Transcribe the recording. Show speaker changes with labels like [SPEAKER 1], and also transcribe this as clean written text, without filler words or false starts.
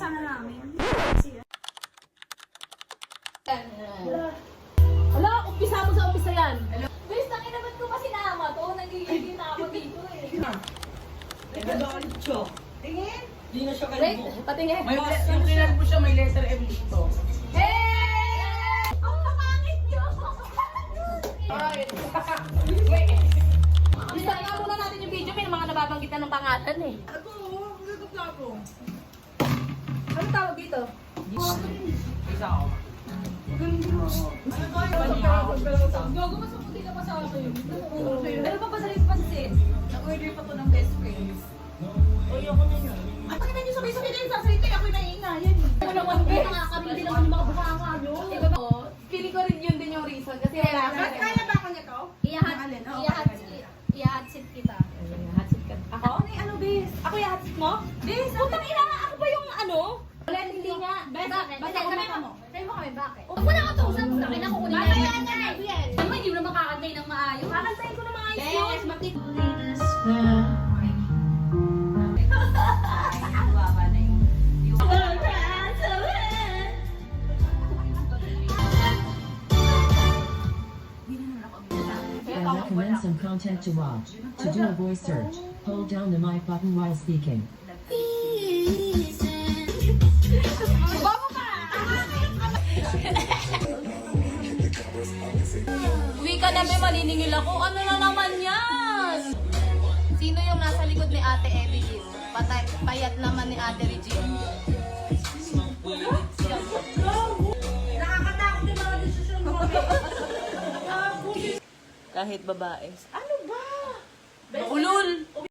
[SPEAKER 1] na namin.
[SPEAKER 2] Hala, umpisa mo sa umpisa yan.
[SPEAKER 1] Guys, nakinabat ko pa sinama to. Nagigigil na ako dito eh.
[SPEAKER 3] Nagagalit siya. Tingin? Hindi na siya
[SPEAKER 2] Wait,
[SPEAKER 3] kalbo.
[SPEAKER 2] patingin.
[SPEAKER 3] May yung kinalbo siya, may letter M dito.
[SPEAKER 1] Hey! Ang pangit nyo!
[SPEAKER 2] Alright. Isa nga muna natin yung video. May mga nababanggit na ng pangalan eh.
[SPEAKER 3] Ako, nagagap na ako.
[SPEAKER 2] Ano tawag dito?
[SPEAKER 3] Isa ako.
[SPEAKER 1] Gago, mas maputi ka pa sa akin. Pero pa pa sa pansit. Nag-order pa to ng best friends.
[SPEAKER 3] Ay, ako na yun.
[SPEAKER 1] At pakita nyo sabay-sabay kayo sasalita. Ako'y naiingayan eh.
[SPEAKER 2] Ako naman, guys, nakakabili naman yung mga bukanga nyo. Iba ba? Feeling ko rin yun din yung reason. Kasi wala ka.
[SPEAKER 3] Kaya ba ako niya to?
[SPEAKER 1] Iyahatsit kita.
[SPEAKER 2] Hatsit ka. Ako?
[SPEAKER 1] Ano, bes?
[SPEAKER 2] Ako yung hatsit mo?
[SPEAKER 1] Bes,
[SPEAKER 2] Putang ina, ako ba yung ano? Wala, hindi nga.
[SPEAKER 1] Bakit?
[SPEAKER 2] Basta
[SPEAKER 1] Bakit?
[SPEAKER 2] ako.
[SPEAKER 1] Try mo kami, bakit? Huwag mo na ako tusan sa akin. Ako kunin na yan. Ano ba, hindi mo na makakantay ng maayos?
[SPEAKER 2] Kakantayin ko na mga ayos yun.
[SPEAKER 1] Yes, matik.
[SPEAKER 4] I recommend some content to watch. To do a voice search, hold down the mic button while speaking.
[SPEAKER 2] Uwi ka na, may maniningil ako. Ano na naman yan? Sino yung nasa likod ni Ate Evie dito? Payat naman ni Ate Regine.
[SPEAKER 3] Nakakatakot yung mga desisyon mo.
[SPEAKER 5] Kahit babae.
[SPEAKER 2] Ulol!